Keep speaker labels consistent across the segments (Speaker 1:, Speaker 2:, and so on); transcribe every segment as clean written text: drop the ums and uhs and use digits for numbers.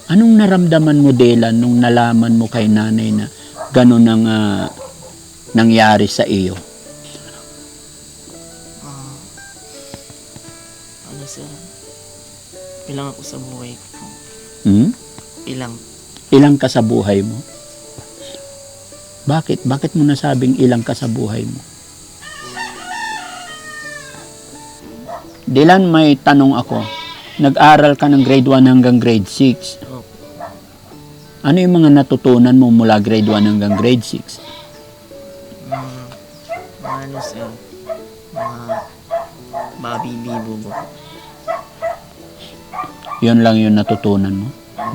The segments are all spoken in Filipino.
Speaker 1: Anong naramdaman mo, Dylan, nung nalaman mo kay nanay na gano'n ang nangyari sa iyo?
Speaker 2: Ano sir? Ilang ako sa buhay ko po. Ilang.
Speaker 1: Ilang ka sa buhay mo? Bakit? Bakit mo nasabing ilang ka sa buhay mo? Dylan, may tanong ako. Nag-aral ka ng grade 1 hanggang grade 6.
Speaker 2: Opo.
Speaker 1: Ano yung mga natutunan mo mula grade 1 hanggang grade 6?
Speaker 2: Ano sir? Mga babi-bibo po.
Speaker 1: Yun lang yung natutunan mo.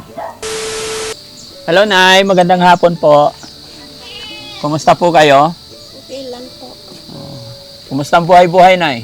Speaker 1: Hello, Nay. Magandang hapon po. Kumusta po kayo?
Speaker 3: Okay lang po.
Speaker 1: Kumusta ang buhay-buhay, Nay?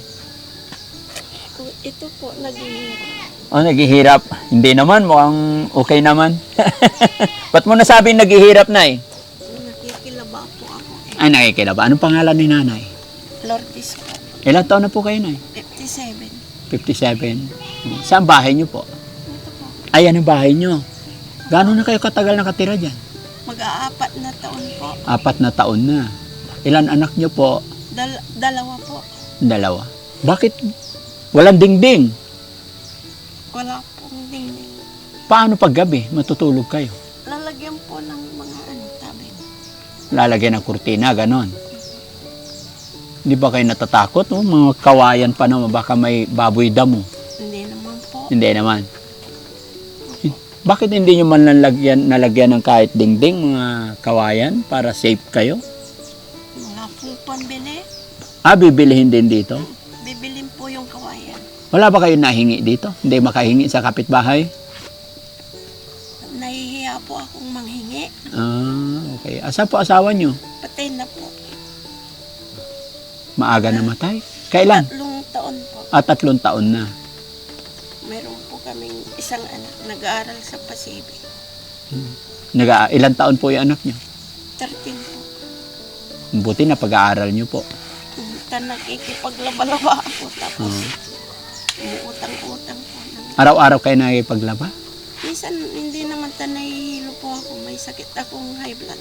Speaker 3: Ito po, naghihirap.
Speaker 1: Oh, naghihirap. Hindi naman, mukhang okay naman. Ba't mo nasabing naghihirap, Nay?
Speaker 3: Nakikilaba po ako.
Speaker 1: Ay, nakikilaba. Anong pangalan ni Nanay?
Speaker 3: Lourdes po.
Speaker 1: Ilang taon na po kayo, Nay?
Speaker 3: 57.
Speaker 1: 57. Saan bahay niyo po?
Speaker 3: Ito po.
Speaker 1: Ayan ang bahay niyo. Gano'n na kayo katagal nakatira dyan?
Speaker 3: Mag-aapat na taon po.
Speaker 1: 4 na taon na. Ilan anak niyo po?
Speaker 3: Dalawa po.
Speaker 1: 2. Bakit walang dingding?
Speaker 3: Wala pong dingding.
Speaker 1: Paano pag gabi matutulog kayo?
Speaker 3: Lalagyan po ng mga tabi.
Speaker 1: Lalagyan ng kurtina, ganon. Hindi ba kayo natatakot? Oh? Mga kawayan pa naman, baka may baboy damo.
Speaker 3: Hindi naman po.
Speaker 1: Hindi naman. Bakit hindi nyo man nalagyan ng kahit dingding, mga kawayan, para safe kayo?
Speaker 3: Wala pong pambili.
Speaker 1: Bibilihin din dito?
Speaker 3: Bibilin po yung kawayan.
Speaker 1: Wala ba kayo nahingi dito? Hindi makahingi sa kapitbahay?
Speaker 3: Nahihiya po akong manghingi.
Speaker 1: Okay. Asa po asawa nyo?
Speaker 3: Patay na po.
Speaker 1: Maaga namatay? Kailan?
Speaker 3: 3 taon po.
Speaker 1: 3 taon na.
Speaker 3: Meron po kaming isang anak nag-aaral sa Pasibik.
Speaker 1: Ilan taon po yung anak nyo?
Speaker 3: 13 po.
Speaker 1: Buti na pag-aaral nyo po.
Speaker 3: Nakikipaglaba-laba ako tapos umuutang-utang po.
Speaker 1: Araw-araw kayo nakikipaglaba?
Speaker 3: Minsan hindi naman nahihilo po ako. May sakit akong high blood.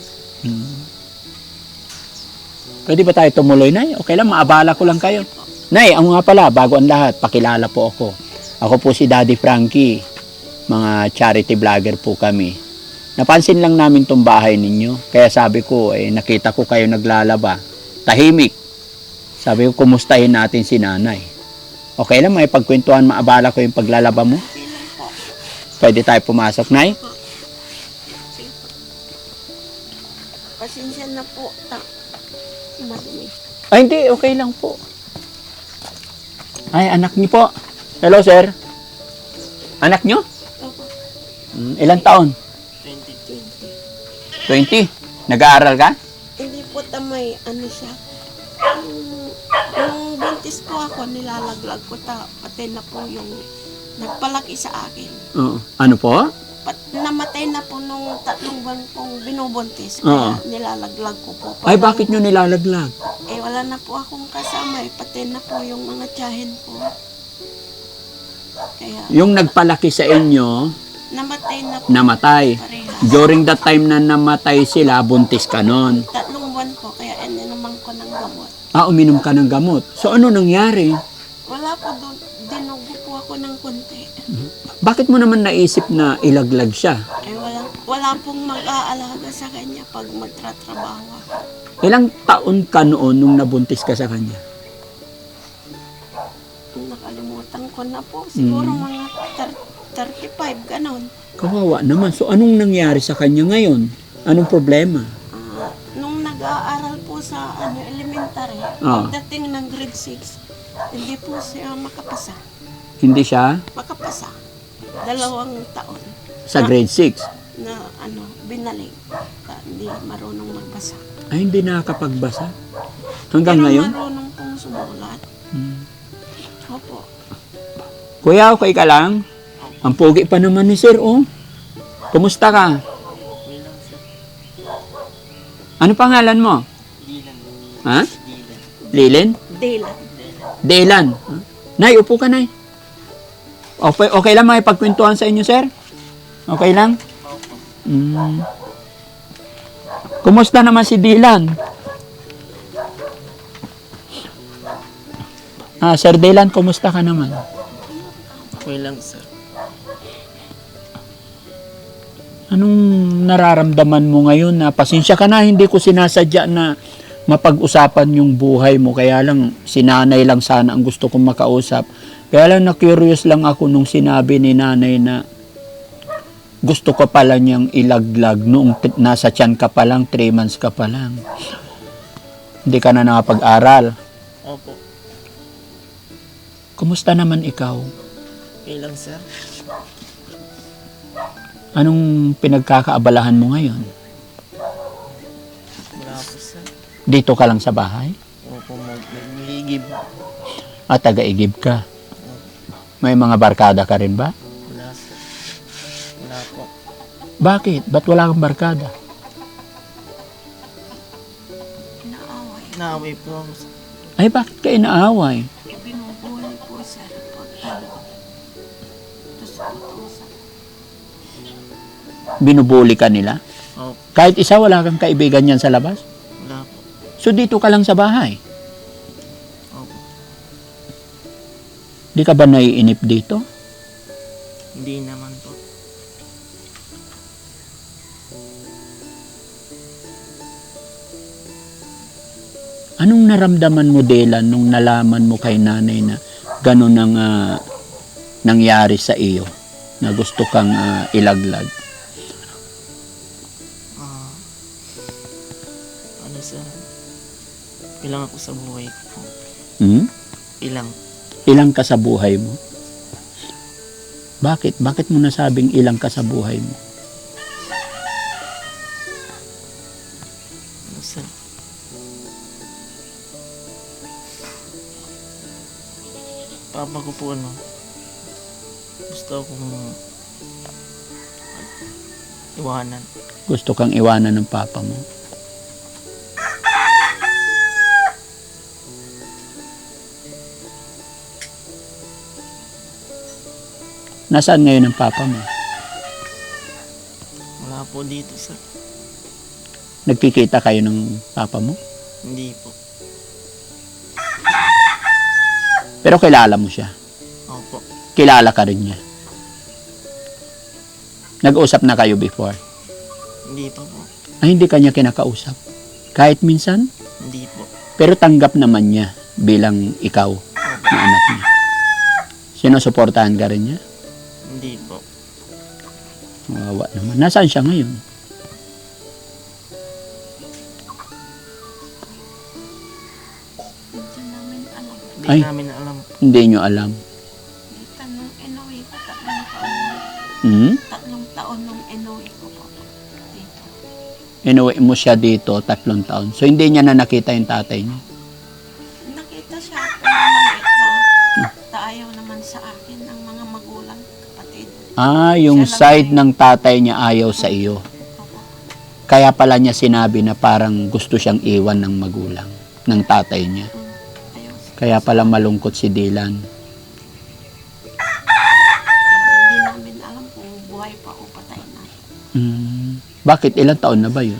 Speaker 1: Pwede ba tayo tumuloy, Nay? Okay lang, maabala ko lang kayo. Nay, ang nga pala, bago ang lahat, pakilala po ako. Ako po si Daddy Frankie. Mga charity vlogger po kami. Napansin lang namin tong bahay ninyo. Kaya sabi ko, nakita ko kayo naglalaba. Tahimik. Sabi ko, kumustahin natin si Nanay. Okay lang, may pagkwentuhan, maabala ko yung paglalaba mo.
Speaker 3: Hindi lang po.
Speaker 1: Pwede tayo pumasok, Nay?
Speaker 3: Sige po. Pasensya na po. Madumi.
Speaker 1: Ay, hindi. Okay lang po. Ay, anak niyo po. Hello, sir. Anak niyo?
Speaker 3: Opo.
Speaker 1: Ilang taon?
Speaker 3: 20.
Speaker 1: 20. Nag-aaral ka?
Speaker 3: Hindi po tamay. Ano siya? Nung buntis po ako, nilalaglag ko pati na po yung nagpalaki sa akin.
Speaker 1: Oo. Ano po?
Speaker 3: Namatay na po nung 3 buwan kong binubuntis. Kaya nilalaglag ko po.
Speaker 1: Ay, bakit nyo nilalaglag?
Speaker 3: Wala na po akong kasama. Pati na po yung mga tiyahin ko. Kaya
Speaker 1: Yung nagpalaki sa inyo,
Speaker 3: namatay na po.
Speaker 1: namatay.
Speaker 3: Parehas.
Speaker 1: During that time na namatay sila, buntis ka nun.
Speaker 3: 3 buwan po. Kaya ininuman ko ng gamot.
Speaker 1: Uminom ka ng gamot. So, ano nangyari?
Speaker 3: Wala po doon. Dinugo po ako ng konti.
Speaker 1: Bakit mo naman naisip na ilaglag siya?
Speaker 3: Wala pong mag-aalaga sa kanya pag magtratrabaho ako.
Speaker 1: Ilang taon ka noon nung nabuntis ka sa kanya?
Speaker 3: Nakalimutan ko na po. Siguro mga 35, ganon.
Speaker 1: Kawawa naman. So, anong nangyari sa kanya ngayon? Anong problema?
Speaker 3: Nung nag-aaral po sa elementary, pagdating ng grade 6, hindi po siya makapasa.
Speaker 1: Hindi siya
Speaker 3: Makapasa. 2 taon
Speaker 1: sa grade 6?
Speaker 3: na binaling. Hindi marunong magbasa.
Speaker 1: Ay, hindi nakakapagbasa? Hanggang
Speaker 3: Pero
Speaker 1: ngayon?
Speaker 3: marunong pong sumulat. Opo.
Speaker 1: Kuya, okay ka lang? Ang pogi pa naman ni sir, oh. Kumusta ka?
Speaker 2: Okay lang sir.
Speaker 1: Ano pangalan mo?
Speaker 2: Dilan.
Speaker 1: Ha?
Speaker 2: Dilan.
Speaker 1: Lilin?
Speaker 3: Daylan.
Speaker 1: Delan. Nay, upo ka, Nay. Okay lang makipagkwentuhan sa inyo, sir? Okay lang? Kumusta naman si Dylan? Sir Dylan, kumusta ka naman?
Speaker 2: Okay lang, sir.
Speaker 1: Anong nararamdaman mo ngayon na pasensya ka na, hindi ko sinasadya na mapag-usapan yung buhay mo. Kaya lang, sinanay lang sana ang gusto kong makausap. Kaya lang na-curious lang ako nung sinabi ni nanay na gusto ko pala niyang ilaglag noong nasa tiyan ka pa lang, 3 months ka pa lang. Hindi ka na nakapag-aral.
Speaker 2: Opo.
Speaker 1: Kumusta naman ikaw?
Speaker 2: Okay lang, sir.
Speaker 1: Anong pinagkakaabalahan mo ngayon?
Speaker 2: Wala po, sir.
Speaker 1: Dito ka lang sa bahay?
Speaker 2: Opo, nagigib.
Speaker 1: Taga-igib ka? May mga barkada ka rin ba?
Speaker 2: Wala, sir. Wala po.
Speaker 1: Bakit? Ba't wala kang barkada?
Speaker 3: Inaaway.
Speaker 2: Naaway po ako, sir.
Speaker 1: Ay, bakit ka inaaway?
Speaker 3: Binubuhay po, sir. Pag
Speaker 1: Binubuli ka nila?
Speaker 2: Opo.
Speaker 1: Kahit isa, wala kang kaibigan yan sa labas?
Speaker 2: Wala po.
Speaker 1: So, dito ka lang sa bahay?
Speaker 2: Opo.
Speaker 1: Di ka ba naiinip dito?
Speaker 2: Hindi naman po.
Speaker 1: Anong naramdaman mo, Dylan, nung nalaman mo kay nanay na gano'n ang nangyari sa iyo? Na gusto kang ilaglag?
Speaker 2: Ano, sir? Ilang ako sa buhay ko po. Ilang.
Speaker 1: Ilang ka sa buhay mo? Bakit? Bakit mo nasabing ilang ka sa buhay mo?
Speaker 2: Ano, sir? Papa ko po, gusto akong iwanan.
Speaker 1: Gusto kang iwanan ng papa mo? Nasaan ngayon ang papa mo?
Speaker 2: Wala po dito, sir.
Speaker 1: Nagkikita kayo ng papa mo?
Speaker 2: Hindi po.
Speaker 1: Pero kilala mo siya.
Speaker 2: Opo.
Speaker 1: Kilala ka rin niya. Nag-usap na kayo before?
Speaker 2: Hindi pa po.
Speaker 1: Ay, hindi kanya kinakausap. Kahit minsan?
Speaker 2: Hindi po.
Speaker 1: Pero tanggap naman niya bilang ikaw na anak niya. Sinusuportahan ka rin niya?
Speaker 2: Hindi po.
Speaker 1: Wawa naman. Nasaan siya ngayon?
Speaker 3: Hindi namin alam.
Speaker 2: Hindi
Speaker 1: Ay.
Speaker 2: namin alam.
Speaker 1: Hindi nyo alam.
Speaker 3: Tanong inuwi ko, 3 taon.
Speaker 1: Hmm?
Speaker 3: 3 taon nung inuwi ko po dito.
Speaker 1: Inuwi mo siya dito 3 taon. So, hindi niya na nakita yung tatay niya.
Speaker 3: Nakita siya, pero maliit ba? Ayaw naman sa akin ng mga magulang, kapatid.
Speaker 1: Yung
Speaker 3: Siya lang
Speaker 1: side
Speaker 3: ay-
Speaker 1: ng tatay niya ayaw sa iyo.
Speaker 3: Opo.
Speaker 1: Kaya pala niya sinabi na parang gusto siyang iwan ng magulang, ng tatay niya.
Speaker 3: Ayaw sa
Speaker 1: Kaya pala malungkot si Dylan.
Speaker 3: Kaya hindi namin alam kung buhay pa o patay na.
Speaker 1: Bakit? Ilang taon na ba yun?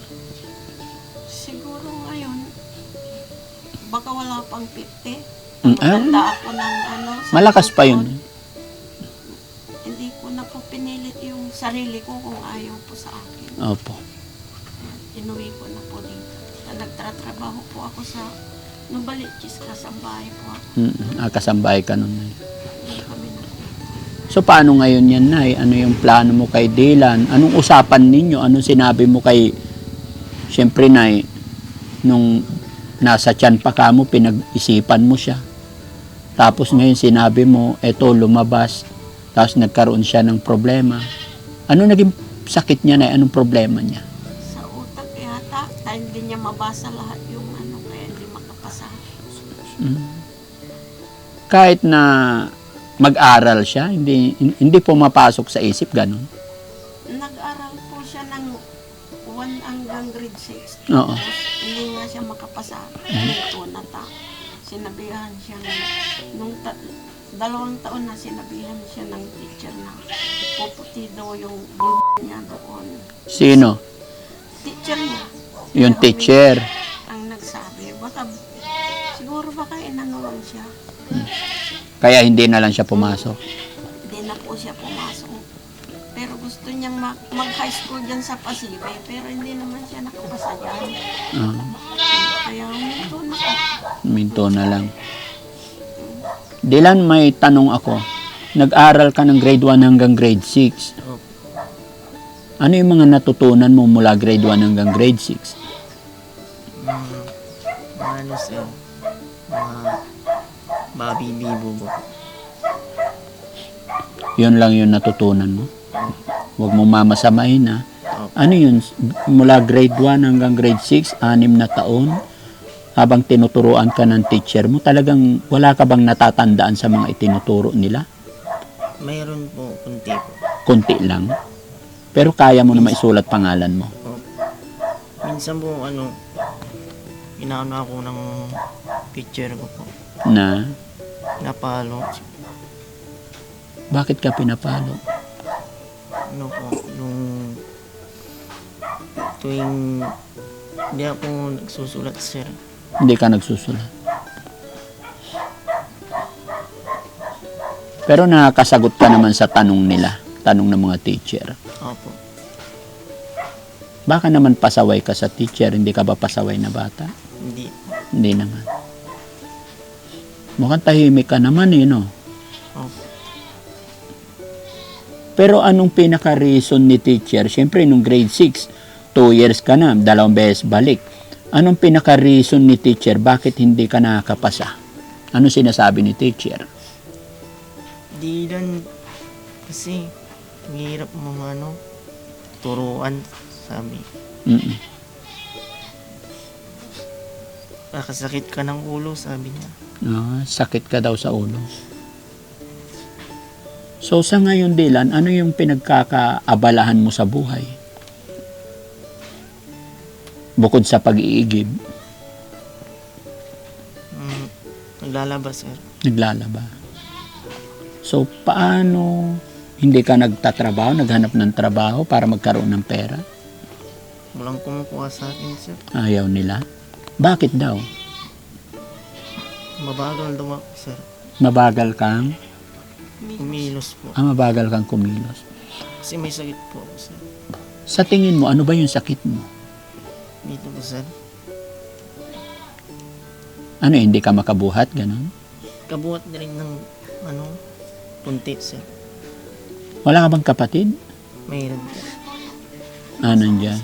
Speaker 3: Siguro ngayon, baka wala pang 50.
Speaker 1: Mm,
Speaker 3: Maganda ako ng sa
Speaker 1: Malakas pa yun.
Speaker 3: taon. Hindi ko na po pinilit yung sarili ko kung ayaw po sa akin.
Speaker 1: Opo.
Speaker 3: Inuwi ko na po dito. Nagtatrabaho po ako sa Nubalichis, kasambahay po ako.
Speaker 1: Kasambahay ka nun.
Speaker 3: Hindi kami na.
Speaker 1: So, paano ngayon yan, Nay? Ano yung plano mo kay Dylan? Anong usapan ninyo? Anong sinabi mo kay... Siyempre, Nay, nung nasa tiyan pa ka mo, pinag-isipan mo siya. Tapos ngayon sinabi mo, eto, lumabas. Tapos nagkaroon siya ng problema. Ano naging sakit niya, Nay? Anong problema niya?
Speaker 3: Sa utak yata, hindi niya mabasa lahat yung kaya hindi makapasa.
Speaker 1: Kahit na mag-aral siya, hindi pumapasok sa isip, ganun.
Speaker 3: Nag-aral po siya ng 1 hanggang grade 6.
Speaker 1: Oo.
Speaker 3: Tapos, hindi nga siya makapasa. Ito na ta. Sinabihan siya nung 2 taon na sinabihan siya ng teacher na puputi daw yung bibig niya doon.
Speaker 1: Sino?
Speaker 3: Teacher niya.
Speaker 1: Yung
Speaker 3: Pero
Speaker 1: teacher.
Speaker 3: ang nagsabi, siguro baka inanulang siya.
Speaker 1: Kaya hindi na lang siya pumasok.
Speaker 3: Hindi na po siya pumasok. Pero gusto niyang mag-high school dyan sa Pasibe, pero hindi naman siya nakapasa dyan.
Speaker 1: Ah,
Speaker 3: Kaya huminto na po.
Speaker 1: minto na lang. Dylan, may tanong ako. Nag-aral ka ng grade 1 hanggang grade 6.
Speaker 2: Opo.
Speaker 1: Ano yung mga natutunan mo mula grade 1 hanggang grade 6?
Speaker 2: Ano sir? Babi-bibo po.
Speaker 1: Yun lang yung natutunan mo. Huwag mo mamasamahin ha.
Speaker 2: Opo.
Speaker 1: Ano yun? Mula grade 1 hanggang grade 6, 6 na taon, habang tinuturuan ka ng teacher mo, talagang wala ka bang natatandaan sa mga itinuturo nila?
Speaker 2: Mayroon po, kunti po.
Speaker 1: Kunti lang. Pero kaya mo na maisulat pangalan mo.
Speaker 2: Opo. Minsan po, inaano ako ng picture ko po.
Speaker 1: Na,
Speaker 2: Napalo.
Speaker 1: bakit ka pinapalo?
Speaker 2: Ano po, nung tuwing hindi ako nagsusulat sir.
Speaker 1: Hindi ka nagsusulat. Pero nakakasagot ka naman sa tanong nila, tanong ng mga teacher.
Speaker 2: Opo.
Speaker 1: Baka naman pasaway ka sa teacher, hindi ka ba pasaway na bata?
Speaker 2: Hindi.
Speaker 1: Hindi naman. Mukhang tahimik ka naman no?
Speaker 2: Opo.
Speaker 1: Pero anong pinaka-reason ni teacher? Siyempre, nung grade 6, 2 years ka na, 2 beses balik. Anong pinaka-reason ni teacher? Bakit hindi ka nakakapasa? Ano sinasabi ni teacher?
Speaker 2: Di lang kasi mahirap mga turuan sabi.
Speaker 1: Mm-mm.
Speaker 2: Kakasakit ka ng ulo sabi niya.
Speaker 1: Sakit ka daw sa ulo. So sa ngayon, Dylan, ano yung pinagkakaabalahan mo sa buhay? Bukod sa pag-iigib,
Speaker 2: Naglalabas sir.
Speaker 1: naglalaba. So paano hindi ka nagtatrabaho, naghanap ng trabaho para magkaroon ng pera?
Speaker 2: Walang kumukuha sa akin sir.
Speaker 1: Ayaw nila. Bakit daw?
Speaker 2: Mabagal daw ako sir.
Speaker 1: Mabagal kang?
Speaker 2: Kumilos po.
Speaker 1: Mabagal kang kumilos.
Speaker 2: Kasi may sakit po ako sir.
Speaker 1: Sa tingin mo, ano ba yung sakit mo?
Speaker 2: Dito po sir.
Speaker 1: Ano, hindi ka makabuhat, gano'n?
Speaker 2: Kabuhat na rin ng punti sir.
Speaker 1: Wala ka bang kapatid?
Speaker 2: Mayroon po.
Speaker 1: Nandyan.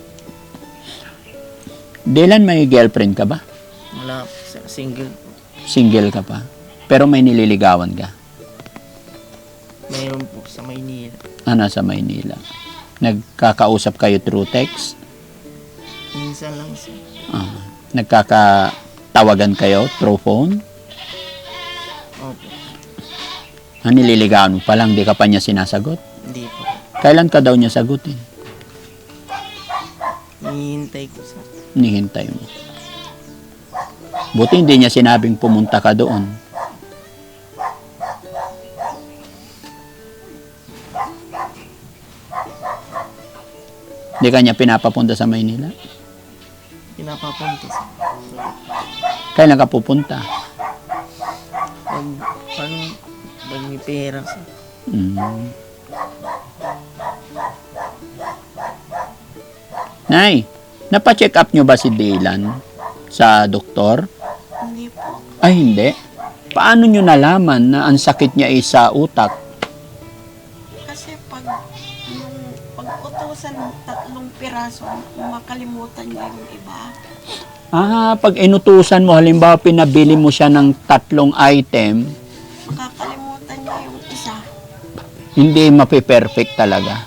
Speaker 1: Dylan, may girlfriend ka ba?
Speaker 2: Wala po sir. Single po.
Speaker 1: Single ka pa? Pero may nililigawan ka?
Speaker 2: Mayroon po sa Maynila.
Speaker 1: Nasa Maynila. Nagkakausap kayo through text?
Speaker 2: Minsan lang sir.
Speaker 1: Nagkakatawagan kayo through phone?
Speaker 2: Opo.
Speaker 1: Nililigawan mo pa lang, di ka pa niya sinasagot?
Speaker 2: Hindi po.
Speaker 1: Kailan ka daw niya sagutin?
Speaker 2: Hinihintay ko sir.
Speaker 1: Nihintay mo. Buti hindi niya sinabing pumunta ka doon. Hindi ka niya pinapapunta sa Maynila?
Speaker 2: Pinapapunta sir.
Speaker 1: Kailan ka pupunta?
Speaker 2: Pag may pera sir.
Speaker 1: Nay, napacheck up nyo ba si Dylan sa doktor?
Speaker 3: Hindi po.
Speaker 1: Ay, hindi. Paano nyo nalaman na ang sakit niya ay sa utak?
Speaker 3: Kasi pag utusan 3 piraso, makalimutan niya yung iba.
Speaker 1: Pag inutusan mo, halimbawa pinabili mo siya ng 3 item,
Speaker 3: Makakalimutan niya yung isa.
Speaker 1: hindi mapiperfect talaga.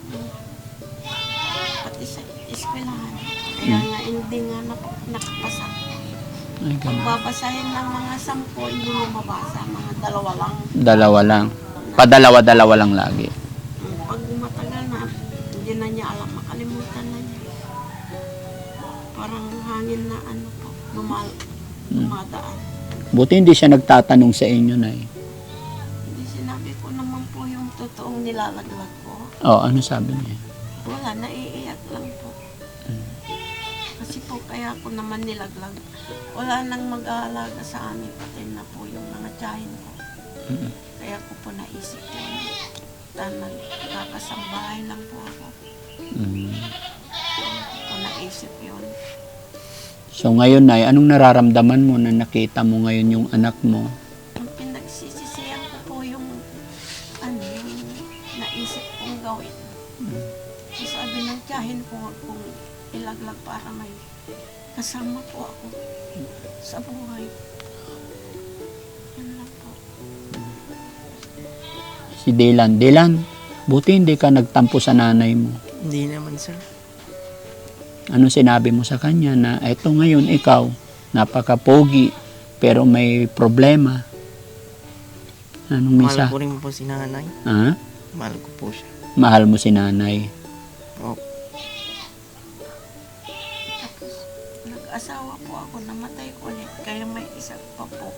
Speaker 3: Pati sa eskwelahan. Kaya nga hindi nga nakapasa.
Speaker 1: Ay,
Speaker 3: Pag
Speaker 1: ganun.
Speaker 3: babasahin ng mga 10, hindi mo mabasa. Mga 2 lang.
Speaker 1: 2 lang. Padalawa-dalawa lang lagi.
Speaker 3: Pag matagal na, hindi na niya alam. Makalimutan na niya. Parang hangin na dumadaan.
Speaker 1: Buti hindi siya nagtatanong sa inyo, Nay.
Speaker 3: nilalaglag ko.
Speaker 1: Oh, ano sabi niya?
Speaker 3: Wala, naiiyak lang po. Kasi po kaya ako naman nilaglag. Wala nang mag-aalaga sa amin, pati na po yung mga tiyahin ko. Kaya ko po naisip yun. Nagkakasambahay lang po ako. Kaya ko po naisip yun.
Speaker 1: So ngayon, Nay, anong nararamdaman mo na nakita mo ngayon yung anak mo?
Speaker 3: Ang pinagsisisihan ko po yung yung naisip kong gawin. So, sabi ng tiyahin ko, huwag kong ilaglag para may kasama po ako sa buhay. Yan lang po.
Speaker 1: Si Dylan. Dylan, buti hindi ka nagtampo sa nanay mo.
Speaker 2: Hindi naman, sir.
Speaker 1: Ano sinabi mo sa kanya na eto ngayon ikaw, napaka-pogi, pero may problema? Anong
Speaker 2: Mahal
Speaker 1: misa?
Speaker 2: ko rin po si nanay.
Speaker 1: Ha?
Speaker 2: Mahal ko po siya.
Speaker 1: Mahal mo si nanay.
Speaker 2: Opo.
Speaker 3: Tapos, nag-asawa po ako, namatay ulit. Kaya may isa pa po.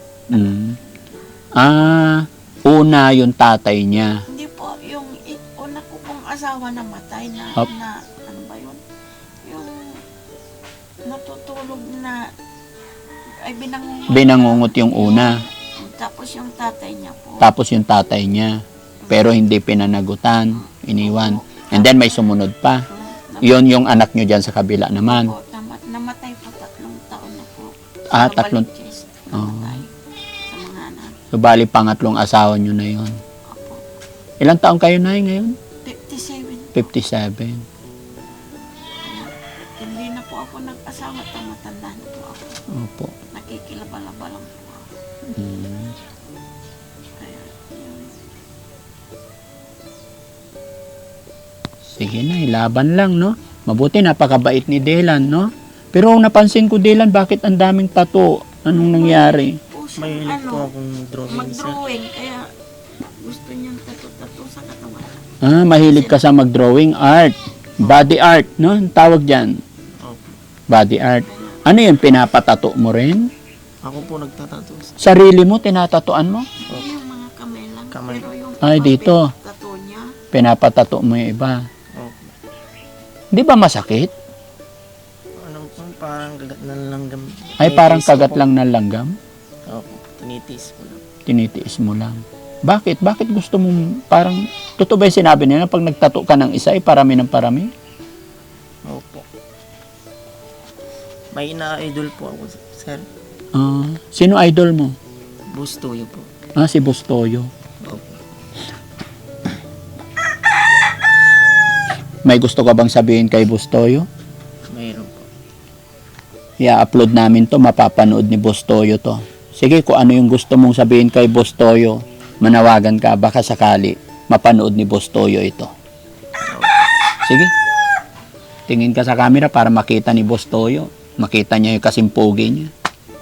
Speaker 1: Una yung tatay niya.
Speaker 3: Hindi po, yung una ko pong asawa namatay na,
Speaker 1: Up.
Speaker 3: na ano ba yun? Yung natutulog na, ay
Speaker 1: Binangungot yung una.
Speaker 3: Tapos yung tatay niya po.
Speaker 1: Tapos yung tatay niya. Pero hindi pinanagutan. Iniwan. And then may sumunod pa. Yon yung anak nyo dyan sa kabila naman.
Speaker 3: Po, namatay po 3 taon na po.
Speaker 1: Ah,
Speaker 3: Sa
Speaker 1: 3.
Speaker 3: Balinches, namatay sa mga anak.
Speaker 1: So, bali pangatlong asawa nyo na yon.
Speaker 3: Opo.
Speaker 1: Ilang taon kayo na ngayon?
Speaker 3: 57.
Speaker 1: 57.
Speaker 3: Hindi na po ako nag-asawa, matanda na po ako.
Speaker 1: Opo.
Speaker 3: Nakikilaba-laba lang po ako. Kaya, yun.
Speaker 1: Sige na, laban lang, no? Mabuti, napakabait ni Dylan, no? Pero napansin ko, Dylan, bakit ang daming tattoo? Anong nangyari?
Speaker 3: Po siya,
Speaker 2: Mahilig po akong drawing, sir.
Speaker 3: mag-drawing, kaya gusto niyang tattoo sa katawan.
Speaker 1: Mahilig ka sa mag-drawing art. Body art, no? Ang tawag dyan.
Speaker 2: Opo.
Speaker 1: Body art. Ano yun, pinapatato mo rin?
Speaker 2: Ako po nagtatato, sir.
Speaker 1: Sarili mo, tinatatuan mo?
Speaker 3: Hindi yung mga kamay lang.
Speaker 2: Kamay.
Speaker 3: Pero yung
Speaker 1: Ay, dito.
Speaker 3: tattoo niya,
Speaker 1: Pinapatato mo yung iba.
Speaker 2: Opo.
Speaker 1: Di ba masakit?
Speaker 2: Ano po, parang kagat na langgam.
Speaker 1: Ay, parang
Speaker 2: Tinitiis ko
Speaker 1: kagat
Speaker 2: po.
Speaker 1: lang ng langgam?
Speaker 2: Opo, tinitiis ko lang.
Speaker 1: Tinitiis mo lang. Bakit? Bakit gusto mo parang, totoo ba yung sinabi nila, pag nagtato ka ng isa, ay parami ng parami?
Speaker 2: Opo. May ina-idol po ako, sir.
Speaker 1: Sino idol mo?
Speaker 2: Bustoyo po.
Speaker 1: Si Bustoyo.
Speaker 2: Opo.
Speaker 1: May gusto ka bang sabihin kay Bustoyo?
Speaker 2: Mayroon po.
Speaker 1: I-upload namin to, mapapanood ni Bustoyo to. Sige, kung ano yung gusto mong sabihin kay Bustoyo, manawagan ka, baka sakali mapanood ni Bustoyo ito. Sige. Tingin ka sa camera para makita ni Bustoyo. Makita niya yung kasimpogi niya.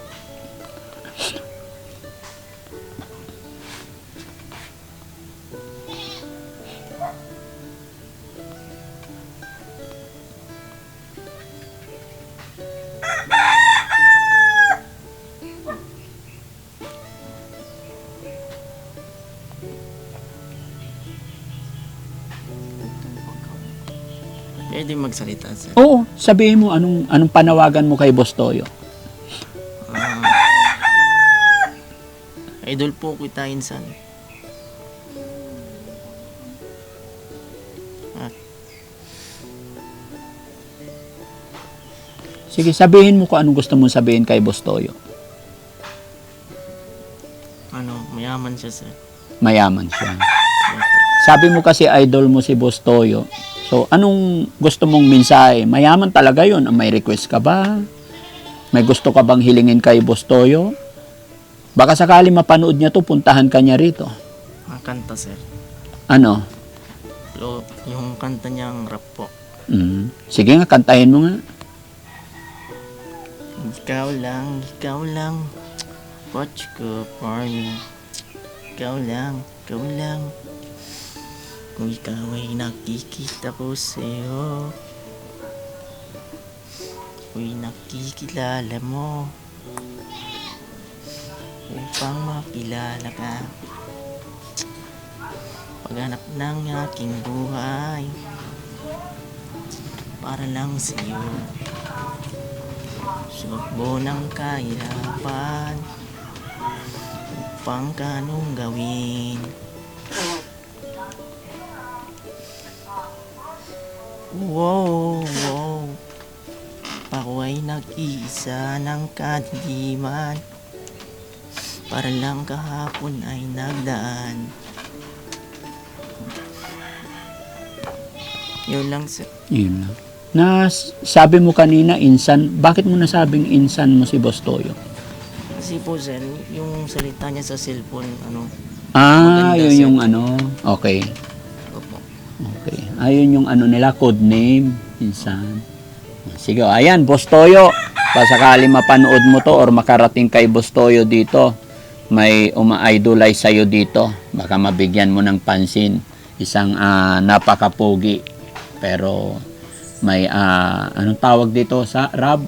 Speaker 2: Pwede magsalita, sir.
Speaker 1: Oo, sabihin mo anong panawagan mo kay Bustoyo.
Speaker 2: Idol po kita insan.
Speaker 1: Sige, sabihin mo kung anong gusto mong sabihin kay Bustoyo.
Speaker 2: Mayaman siya, sir.
Speaker 1: Mayaman siya.
Speaker 2: Opo.
Speaker 1: Sabi mo kasi idol mo si Bustoyo. So, anong gusto mong mensahe? Mayaman talaga yun. May request ka ba? May gusto ka bang hilingin kay Bustoyo? Baka sakali mapanood niya to, puntahan ka niya rito.
Speaker 2: Ang kanta, sir.
Speaker 1: Ano?
Speaker 2: Yung kanta niyang rap po.
Speaker 1: Sige nga, kantahin mo nga.
Speaker 2: Ikaw lang, watch ko for me. Ikaw lang. Kung ikaw ay nakikita ko sa'yo, ako'y nakikilala mo. Upang makilala ka, paghanap ng aking buhay para lang sa iyo. Sugbo ng kahirapan upang kanong gawin. Wow, wow. Ako ay nag-iisa ng kadiliman para lang kahapon ay nagdaan. Yun lang sir.
Speaker 1: Yun lang. Sabi mo kanina, insan. Bakit mo nasabing insan mo si Boss Toyo?
Speaker 2: Kasi po sir, yung salita niya sa cellphone,
Speaker 1: Ah,
Speaker 2: Maganda,
Speaker 1: yun
Speaker 2: sir.
Speaker 1: yung ano. Okay.
Speaker 2: opo.
Speaker 1: Okay. Ayun yung ano nila, code name. Insan. Sige, ayan, Boss Toyo. Pasakali mapanood mo to or makarating kay Boss Toyo dito, may uma-idolize sa'yo dito. Baka mabigyan mo ng pansin. Isang napakapogi. Pero may anong tawag dito sa Rab?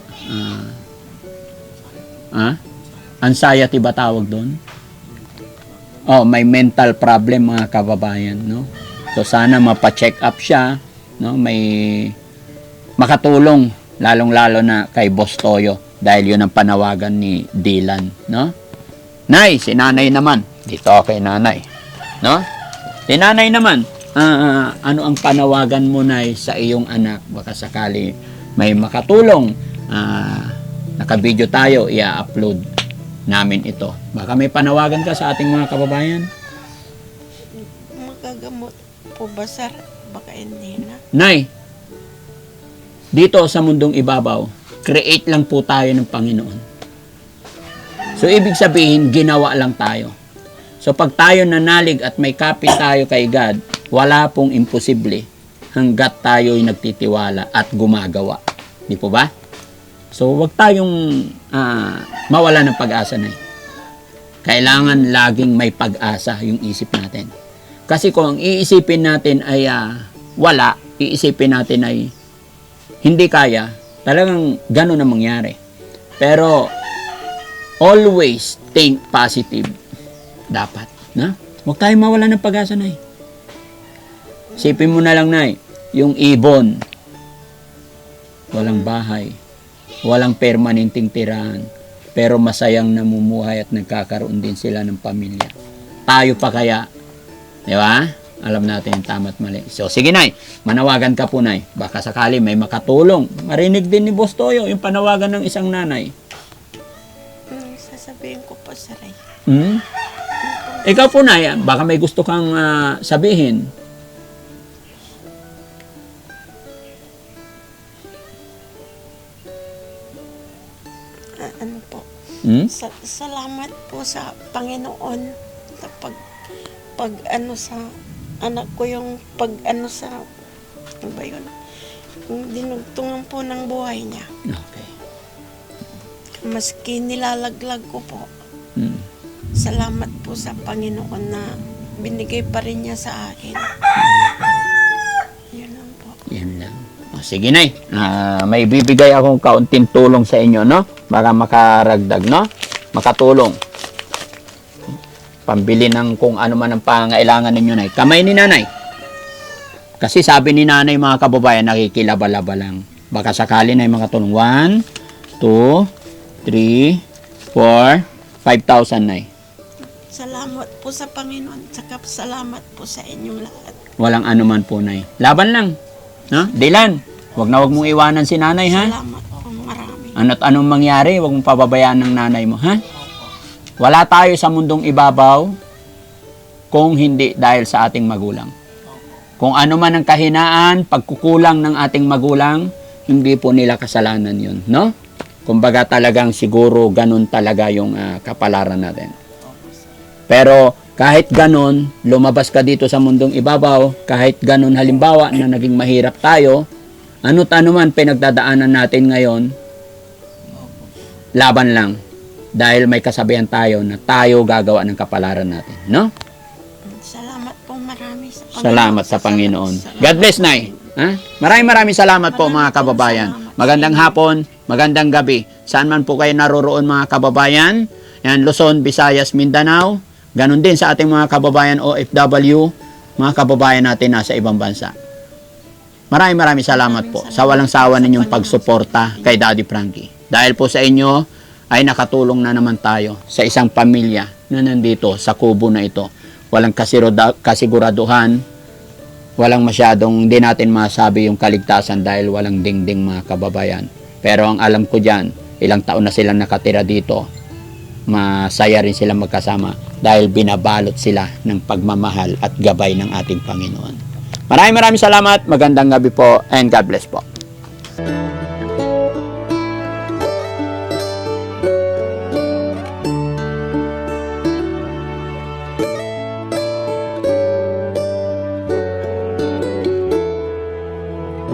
Speaker 1: Anxiety ba tawag doon? Oh, may mental problem mga kababayan, no? So sana mapa-check up siya, no? May makatulong lalong-lalo na kay Boss Toyo dahil yun ang panawagan ni Dylan, no? Nay, si nanay naman. Dito kay nanay, no? Si nanay naman, ano ang panawagan mo, Nay, sa iyong anak? Baka sakali may makatulong. Naka-video tayo, i-upload namin ito. Baka may panawagan ka sa ating mga kababayan?
Speaker 3: Magagamot po ba, sir? Baka hindi na.
Speaker 1: Nay, dito sa mundong ibabaw, create lang po tayo ng Panginoon. So, ibig sabihin, ginawa lang tayo. So, pag tayo nanalig at may kapit tayo kay God, wala pong imposible hanggat tayo'y nagtitiwala at gumagawa. Di po ba? So, wag tayong mawala ng pag-asa na. Kailangan laging may pag-asa yung isip natin. Kasi kung ang iisipin natin ay wala, iisipin natin ay hindi kaya, talagang gano'n ang mangyari. Pero, always think positive. Dapat. Na? Huwag tayong mawala ng pag-asa, Nay. Isipin mo na lang, Nay, yung ibon, walang bahay, walang permanenteng tirahan, pero masayang namumuhay at nagkakaroon din sila ng pamilya. Tayo pa kaya? Di ba? Alam natin yung tama at mali. So, sige, Nay. Manawagan ka po, Nay. Baka sakali may makatulong. Marinig din ni Boss Toyo yung panawagan ng isang nanay.
Speaker 3: Sasabihin ko po, sir.
Speaker 1: Ikaw po, Nay, baka may gusto kang sabihin.
Speaker 3: Ano po? Salamat po sa Panginoon sa pag ano sa anak ko, yung pag ano sa ano ba yun? Yung dinugtungan po ng buhay niya.
Speaker 1: Okay.
Speaker 3: Maski nilalaglag ko po. Salamat po sa Panginoon na binigay pa rin niya sa akin. Yun lang po.
Speaker 1: Yan lang. O, sige, Nay. May bibigay akong kaunting tulong sa inyo, no? Baka makaragdag, no? Makatulong. Pambili ng kung ano man ang pangailangan ninyo, Nay. Kamay ni Nanay. Kasi sabi ni Nanay, mga kababayan, nakikilaba-laba lang. Baka sakali na makatulong. 1, 2, 3, 4, 5,000, Nay.
Speaker 3: Salamat po sa Panginoon. Saka salamat po sa inyong lahat.
Speaker 1: Walang anuman po, Nay. Laban lang. No? Dylan, wag mong iwanan si Nanay, ha?
Speaker 3: Salamat po marami.
Speaker 1: Ano't anong mangyari, wag mong pababayaan ng nanay mo, ha? Wala tayo sa mundong ibabaw kung hindi dahil sa ating magulang. Kung ano man ang kahinaan, pagkukulang ng ating magulang, hindi po nila kasalanan yun, no? Kumbaga talagang siguro ganun talaga yung kapalaran natin. Pero kahit ganun, lumabas ka dito sa mundong ibabaw, kahit ganun halimbawa na naging mahirap tayo, ano't ano man pinagdadaanan natin ngayon, laban lang. Dahil may kasabihan tayo na tayo gagawa ng kapalaran natin, no?
Speaker 3: Salamat po marami sa Panginoon.
Speaker 1: Salamat sa Panginoon. God bless, Nay. Ha? Maraming salamat po, mga kababayan. Magandang hapon, magandang gabi. Saan man po kayo naroroon, mga kababayan. Yan, Luzon, Visayas, Mindanao. Ganon din sa ating mga kababayan OFW. mga kababayan natin nasa ibang bansa. Maraming salamat po sa walang sawa ninyong pagsuporta kay Daddy Frankie. Dahil po sa inyo ay nakatulong na naman tayo sa isang pamilya na nandito sa kubo na ito. Walang kasiguraduhan, walang masyadong, hindi natin masabi yung kaligtasan dahil walang dingding mga kababayan. Pero ang alam ko dyan, ilang taon na silang nakatira dito, masaya rin silang magkasama dahil binabalot sila ng pagmamahal at gabay ng ating Panginoon. Maraming salamat, magandang gabi po, and God bless po.